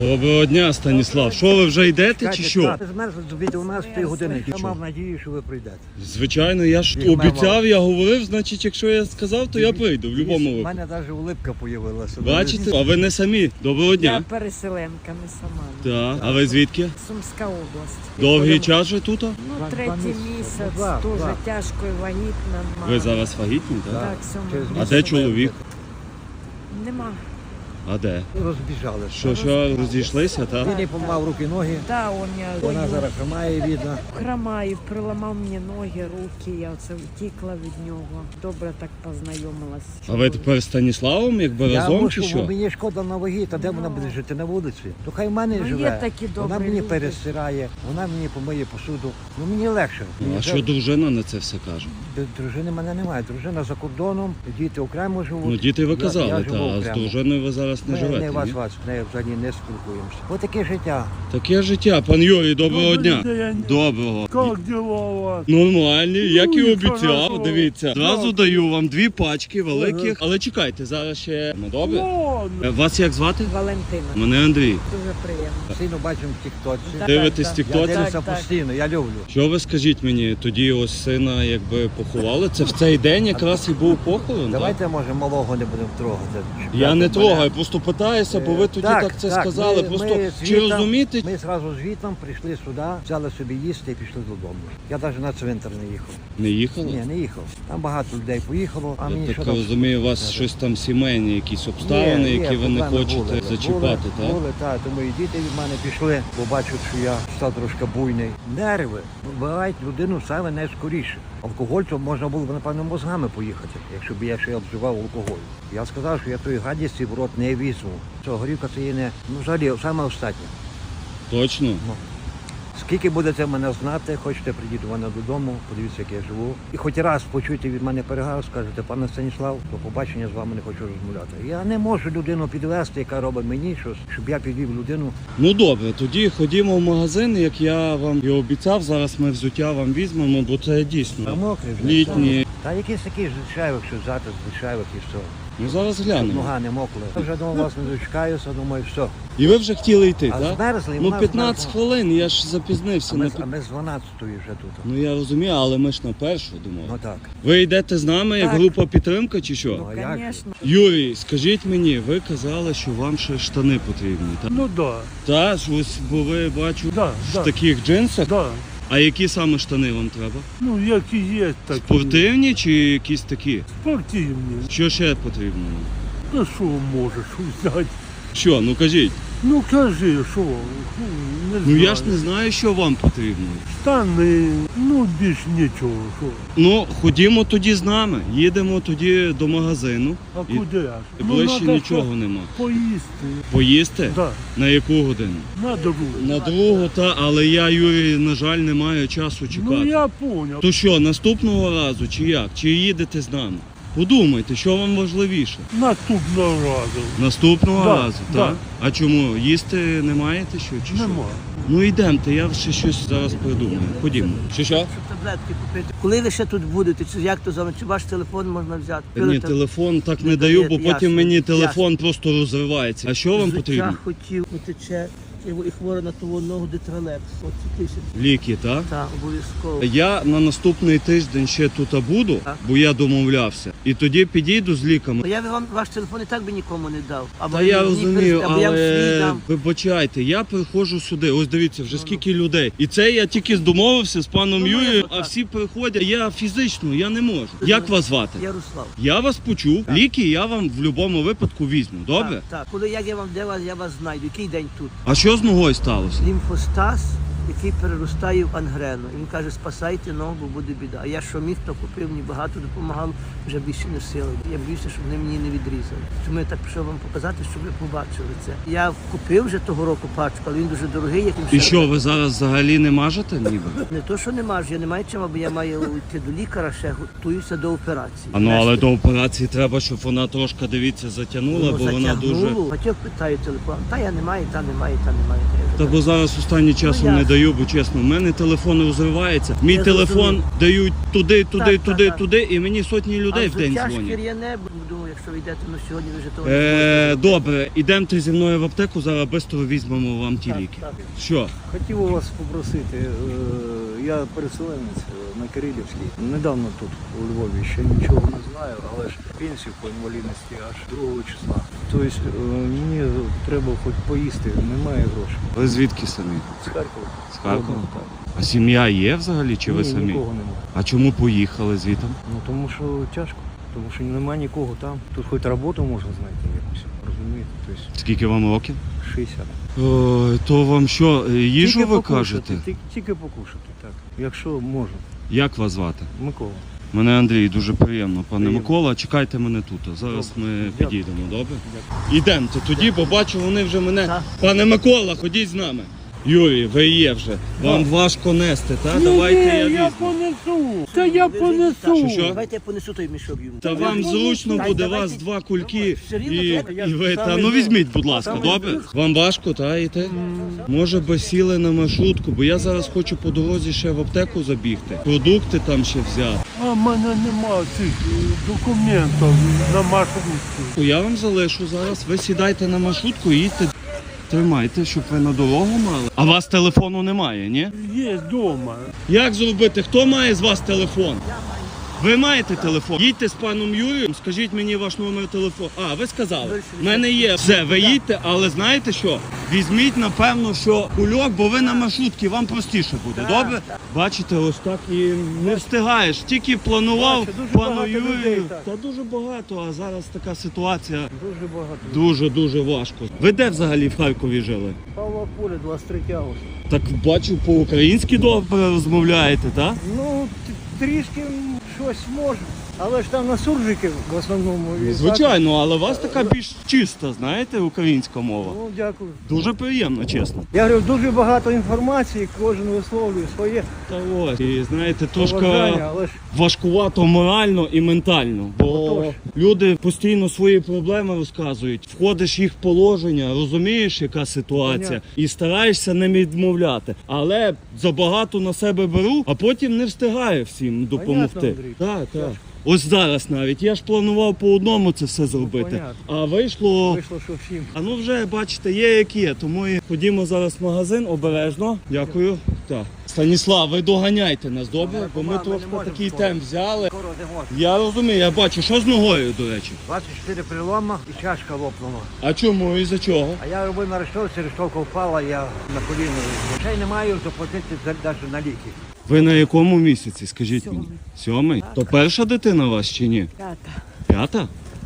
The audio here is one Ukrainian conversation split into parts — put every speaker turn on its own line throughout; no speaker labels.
Доброго дня, Станіслав. Що, ви вже йдете чи що?
Змерзли до 12 години. Я мав надію, що ви прийдете.
Звичайно, я ж обіцяв, я говорив, значить, якщо я сказав, то я прийду в будь-якому
У
випадку.
мене навіть улипка з'явилася.
Бачите? А ви не самі. Доброго
Я
дня.
переселенка, не сама.
Так. А ви звідки?
Сумська область.
Довгий час вже тут?
Ну,
Два
третій
місяці.
місяць,
Два.
дуже тяжко і вагітна.
Ви зараз вагітні, так?
Так,
Через
7
А де чоловік?
Нема.
А де?
Розбіжалися.
Що, розійшлися, так?
Він їй помав руки-ноги.
Да, он я
Вона зараз хромає, видно.
хромаю, приламав мені ноги, руки, я оце втікла від нього. Добре так познайомилась.
А ви тепер з Станіславом, якби
Я
разом
мушу,
чи
бо
що?
мені шкода на вагі, та де вона буде жити на вулиці? То хай в мене
Ну, є
живе.
такі
Вона
добрі
мені
люди.
перестирає, вона мені помиє посуду. Ну мені легше.
А що дружина на це все каже?
Дружини мене немає. Дружина за кордоном, діти окремо живуть.
Ну, діти ви
Я
казали,
живу
та, а з
окремо.
дружиною ви зараз не
Ми
живете,
не
ні?
вас, не взагалі не спілкуємося. Отаке життя.
Таке життя. Пан Юрій, доброго дня.
день.
Доброго.
Как дела у вас?
Нормальні, як і
Ну, і
обіцяв,
хорошо.
дивіться. Зразу
Дякую.
даю вам 2 пачки великих, але чекайте, зараз ще... Ну, добре?
Ладно.
Вас як звати?
Валентина.
Мене Андрій.
Дуже приємно.
Постійно бачимо в тіктоці.
Так,
Дивитесь
так.
Я
тіктоці?
дивлюся
Так, так.
постійно, я люблю.
Що ви скажіть мені, тоді ось сина якби поховали? Це в цей день якраз і був похорон, так?
Давайте, може, малого не будемо трогати.
Я не трогаю, просто питаюся, бо ви тоді так це сказали. Просто чи розумієте?
Ми зразу звітом прийшли сюди, взяли собі їсти і пішли додому. Я навіть на цвинтар не їхав.
Не їхали?
Ні, не їхав. Там багато людей поїхало, а мені
Я
що
так
там?
розумію, у вас щось там сімейні, якісь обставини,
Є,
які ви не
проблеми
хочете
були.
зачіпати, так?
Були, так. Тому і діти від мене пішли, бо бачать, що я став трошки буйний. Нерви вбивають людину саме найскоріше. Алкоголь, то можна було б, напевно, мозгами поїхати, якщо б я ще обживав алкоголь. Я сказав, що я тої гадісті в рот не візьму. Що горівка це є не, ну, взагалі, саме останнє.
Точно?
Скільки будете мене знати, хочете прийдіть до мене додому, подивіться, як я живу. І хоч раз почуйте від мене перегар, скажете, пане Станіслав, до побачення, з вами не хочу розмовляти. Я не можу людину підвести, яка робить мені щось, щоб я підвів людину.
Ну добре, тоді ходімо в магазин, як я вам і обіцяв. Зараз ми взуття вам візьмемо, бо це дійсно
Мокрий вже.
літні.
Та якісь такі звичайних, що взяти звичайних і все.
Ну зараз
Щоб
глянемо.
нога не мокла. Я вже думав, вас не дочекаюся, думаю, все.
І ви вже хотіли йти,
А
так?
змерзли,
Ну
вона
15
змерзла.
хвилин, я ж запізнився.
А
на
ми,
пі-
а ми з 12-ї вже тут.
Ну я розумію, але ми ж на першу
Ну
думав.
так.
Ви йдете з нами як
Так.
група підтримки чи що?
Ну,
а як же?
звісно.
Юрій, скажіть мені, ви казали, що вам ще штани потрібні, так?
Ну да,
Та, ж ось, бо ви бачу
да,
в
да,
таких джинсах.
да.
А які саме штани вам треба?
Ну, які є такі.
Спортивні чи якісь такі?
Спортивні.
Що ще потрібно?
Ну, що можеш узнати?
Що, ну кажіть.
Ну, кажи, що? Не
Ну
знаю.
я ж не знаю, що вам потрібно.
Штани, ну, більш нічого, що.
Ну, ходімо тоді з нами. Їдемо тоді до магазину.
А
І
куди аж?
Ближче
надо
нічого
щось
нема.
Поїсти.
Поїсти?
Да,
На яку годину?
на другу.
На другу, та, але я, Юрій, на жаль, не маю часу чекати.
Ну, я понял.
То що, наступного разу, чи як? Чи їдете з нами? Подумайте, що вам важливіше.
Наступного разу.
Наступного
Да,
разу,
да.
так? А чому? Їсти не маєте що? Чи що?
Нема.
Ну йдемте, я ще щось зараз придумаю. Ходімо. Що?
Щоб таблетки купити. Коли ви ще тут будете, чи як то зовут, чи ваш телефон можна взяти?
Ні, телефон так не
Не
даю, бо
дає,
потім
ясно,
мені телефон просто розривається. А що вам потрібно?
Взуття хотів, утече, і хвора на ту ногу детралекс. От ці тисячі.
Ліки, так?
Так, обов'язково.
Я на наступний тиждень ще тут буду,
Так.
бо я домовлявся. І тоді підійду з ліками.
Ну, я би вам ваш телефон і так би нікому не дав. Або
Та я
мені
розумію,
переслати, або я вам свій
але
дам.
вибачайте, я приходжу сюди. Ось дивіться, вже скільки людей. І це я тільки домовився з паном
Ну,
Юрієм,
так.
а всі приходять. Я фізично, я не можу. Як вас звати?
Ярослав.
Я вас почув.
Так.
Ліки я вам в будь-якому випадку візьму. Добре?
Так, так. Коли як я вам де вас, я вас знайду. Який день тут?
А що з ногою сталося?
Лімфостаз, який переростає в ангрену. І він каже, спасайте ногу, бо буде біда. А я що міг, то купив, мені багато допомагало, вже більше не сили. Я боюся, щоб вони мені не відрізали. Тому я так пішов вам показати, щоб ви побачили це. Я купив вже того року пачку, але він дуже дорогий. Як
І що, ви зараз взагалі не мажете ніби?
Не то, що не маю, я не маю чим, бо я маю йти до лікаря, ще готуюся до операції.
А ну але до операції треба, щоб вона трошки, дивіться, затягнула, бо вона дуже.
Батьок питає телефон, та я не маю, та немає, та немає.
Та бо зараз останнім часом
Ну,
не
ясно.
даю, бо чесно, в мене телефон розривається. Мій
Я
телефон
зрозумів.
дають туди,
Так, так, так.
туди, і мені сотні людей в день
взуття
дзвонять.
шкіряне, думаю, якщо ви йдете, ну сьогодні ви вже того не зможете.
Добре, ідемте зі мною в аптеку, зараз швидко візьмемо вам ті
Так,
ліки.
так.
Що?
Хотів у вас попросити, я переселенець на Кирилівській. Недавно тут, у Львові, ще нічого не знаю, але ж пенсію по інвалідності аж 2 числа. Тобто мені треба хоч поїсти, немає грошей.
Ви звідки самі?
З Харкова.
З Харкова?
Так.
А сім'я є взагалі, чи ви
Ні,
самі?
нікого немає.
А чому поїхали звідти?
Ну тому що тяжко, тому що немає нікого там. Тут хоч роботу можна знайти якусь, розумієте? Тобто
Скільки вам років?
60.
То вам що, їжу
Тільки
ви
покушати,
кажете?
Тільки покушати, так. Якщо можна.
Як вас звати?
Микола.
Мене Андрій, дуже приємно, пане
Приємно.
Микола. Чекайте мене тут. Зараз
Добре.
ми
Дякую.
підійдемо, добре? Ідемте тоді, бо бачу, вони вже мене.
Так.
Пане Микола, ходіть з нами. Юрій, ви є вже. Вам важко нести, так? Давайте я
Ні, я
візьму.
понесу. Та я понесу.
Що?
Давайте я понесу той мішок йому.
Та вам зручно
Так,
буде,
давайте.
вас 2 кульки
Все рівно
і
треба, я
ви.
саме
Та ну
йду.
візьміть, будь ласка,
Саме
добре?
йду.
Вам важко, та йти? Може би сіли на маршрутку, бо я зараз хочу по дорозі ще в аптеку забігти. Продукти там ще взяти.
А в мене нема цих документів на маршрутці.
Я вам залишу зараз. Ви сідайте на маршрутку і їдьте. Тримайте, щоб ви на дорогу мали. А у вас телефону немає, ні?
Є вдома.
Як зробити? Хто має з вас телефон? Ви маєте телефон? Їдьте з паном Юрієм, скажіть мені ваш номер телефону. А, ви сказали. В мене є. Все, ви їдьте, але знаєте що? Візьміть, напевно, що кульок, бо ви на маршрутці, вам простіше буде, добре? Бачите, ось так і не встигаєш. Тільки планував
Бачу, дуже
пану
багато людей,
Юрію.
так.
Та дуже багато, а зараз така ситуація
Дуже багато.
дуже важко. Ви де взагалі в Харкові жили?
Павла Поля, 23 августа.
Так бачу, по-українськи добре розмовляєте, так?
Ну, трішки щось можу. Але ж там на суржики в основному. І так.
Звичайно, але у вас така більш чиста, знаєте, українська мова.
Ну, дякую.
Дуже приємно, чесно.
Я говорю, дуже багато інформації, кожен висловлює своє
Та ось, і знаєте,
побажання,
трошки
але ж
важкувато морально і ментально, бо
Отож.
люди постійно свої проблеми розказують, входиш в їх положення, розумієш, яка ситуація,
Понятно.
і стараєшся не відмовляти. Але забагато на себе беру, а потім не встигаю всім допомогти.
Понятно, Андрій.
Так, так.
Тяжко.
Ось зараз навіть. Я ж планував по одному це все зробити,
понятно.
а вийшло.
вийшло, що всім.
А ну вже бачите, є як є, тому і ходімо зараз в магазин обережно. Дякую. Так. Станіслав, ви доганяйте нас, добре? Бо ми
ми
трошки
не можемо
такий
скоро.
темп взяли.
Скоро не можна.
Я розумію, я бачу, що з ногою, до речі.
24 прилома і чашка лопнула.
А чому і за чого?
А я робив на рештовці, рештовка впала, я на коліно. Грошей не маю заплатити навіть на ліки.
Ви на якому місяці, скажіть мені? 7? То перша дитина у вас чи ні?
5.
5?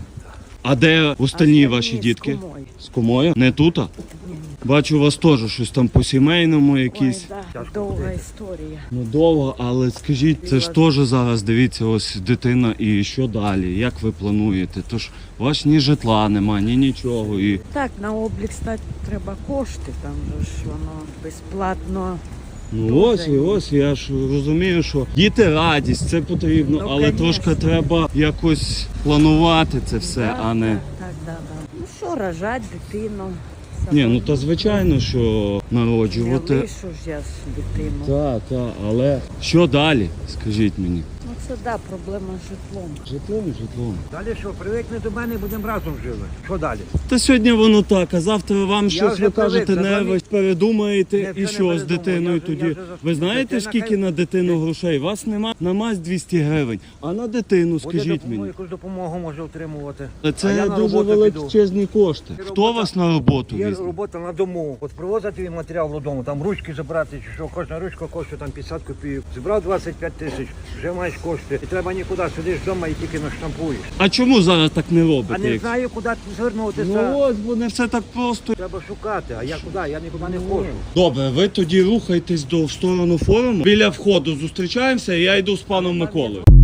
А де остальні ваші дітки? З кумою? Не тут? Бачу, у вас теж щось там по сімейному якісь.
Ой, да, довга історія.
Ну довго, але скажіть, це ж теж зараз, дивіться, ось дитина і що далі? Як ви плануєте? Тож у вас ні житла нема, ні нічого. І...
Так, на облік стати треба кошти, там же ж воно безплатно.
Ну ось, я ж розумію, що діти радість, це потрібно,
Ну,
але
конечно.
трошки треба якось планувати це все,
Да,
а не...
Так. Ну що, рожать дитину.
Ні, ну та звичайно, що
Не
народжувати.
лишу ж я ж дитину.
Так, але що далі, скажіть мені?
Ну це да, проблема з житлом.
Житлом.
Далі що, привикне до мене, будемо разом жили. Що далі?
Та сьогодні воно так, а завтра вам щось
вже
ви кажете,
привик,
не
за
ви передумаєте
Ні,
і
вже
що
не
з
передумав.
дитиною
Я вже
тоді.
за-
Ви знаєте,
Дитина
скільки
хай-
на дитину грошей? Вас нема на мазь 200 гривень, а на дитину,
Буде
скажіть
допомогу,
мені.
якусь допомогу може отримувати.
Та
А
Це
я на
дуже
роботу піду.
величезні кошти. Хто вас на роботу
Є
візьме?
робота на дому. От привозити їм матеріал додому, там ручки забрати, чи що, кожна ручка коштує там 50 копійок. Зібрав 25 тисяч, вже маєш кошти. І треба нікуди, сидиш вдома і тільки наштампуєш.
А чому зараз так не
А
робите?
не
як-
знаю, куди звернутися.
Ну ось, бо не все так просто.
Треба шукати, а я куди? Я нікуди не ходжу.
Добре, ви тоді рухайтесь в сторону форуму. Біля входу зустрічаємося, і я йду з паном Миколою.